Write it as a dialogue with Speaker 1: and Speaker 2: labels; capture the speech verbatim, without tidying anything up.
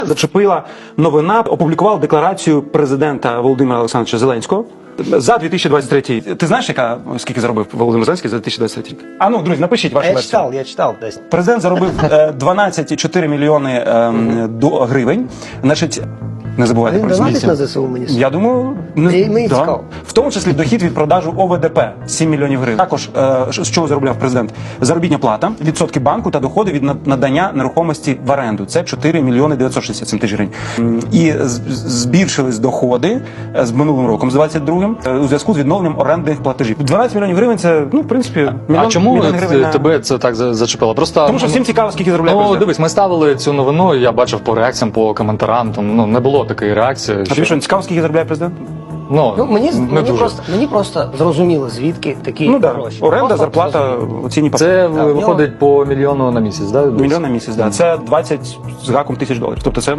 Speaker 1: Зачепила новина, опублікував декларацію президента Володимира Олександровича Зеленського за дві тисячі двадцять третій. Ти знаєш, яка скільки заробив Володимир Зеленський за дві тисячі двадцять третій рік? А ну, друзі, напишіть вашу
Speaker 2: Я
Speaker 1: версію.
Speaker 2: читав, я читав десь.
Speaker 1: Президент заробив е, дванадцять цілих чотири мільйони е, до гривень. Значить, не забувайте
Speaker 2: Він
Speaker 1: про
Speaker 2: донатить
Speaker 1: ці.
Speaker 2: на ЗСУ, мені
Speaker 1: Я думаю, не
Speaker 2: Мені- мені
Speaker 1: да.
Speaker 2: цікаво.
Speaker 1: В тому числі дохід від продажу О В Д П сім мільйонів гривень. Також е, з чого заробляв президент? Заробітня плата, відсотки банку та доходи від надання нерухомості в оренду. Це чотири мільйони дев'ятсот шістдесят сім тисяч гривень. М, І з- збільшились доходи е, з минулим роком, з двадцять другим, е, у зв'язку з відновленням орендних платежів. дванадцять мільйонів гривень це, ну, в принципі, мільйон,
Speaker 3: А чому
Speaker 1: мільйон
Speaker 3: т-
Speaker 1: гривень на...
Speaker 3: тебе це так за- зачепило? Просто
Speaker 1: Тому що всім цікаво, скільки заробляє
Speaker 3: Ну,
Speaker 1: президент.
Speaker 3: дивись, ми ставили цю новину, і я бачив по реакціям, по коментарам, там ну не було такої реакції.
Speaker 1: А тобі що, не цікаво, скільки заробляє президент?
Speaker 3: Ну,
Speaker 2: Ну, мені,
Speaker 3: не
Speaker 2: мені,
Speaker 3: дуже.
Speaker 2: просто, мені просто зрозуміло, звідки такі
Speaker 1: Ну так,
Speaker 2: гроші.
Speaker 1: да. оренда,
Speaker 2: Просто
Speaker 1: зарплата,
Speaker 2: зрозуміло.
Speaker 1: оцінні
Speaker 3: Це
Speaker 1: папери.
Speaker 3: виходить по мільйону на місяць, да?
Speaker 1: Мільйон на місяць, да. Це двадцять з гаком тисяч доларів. Тобто це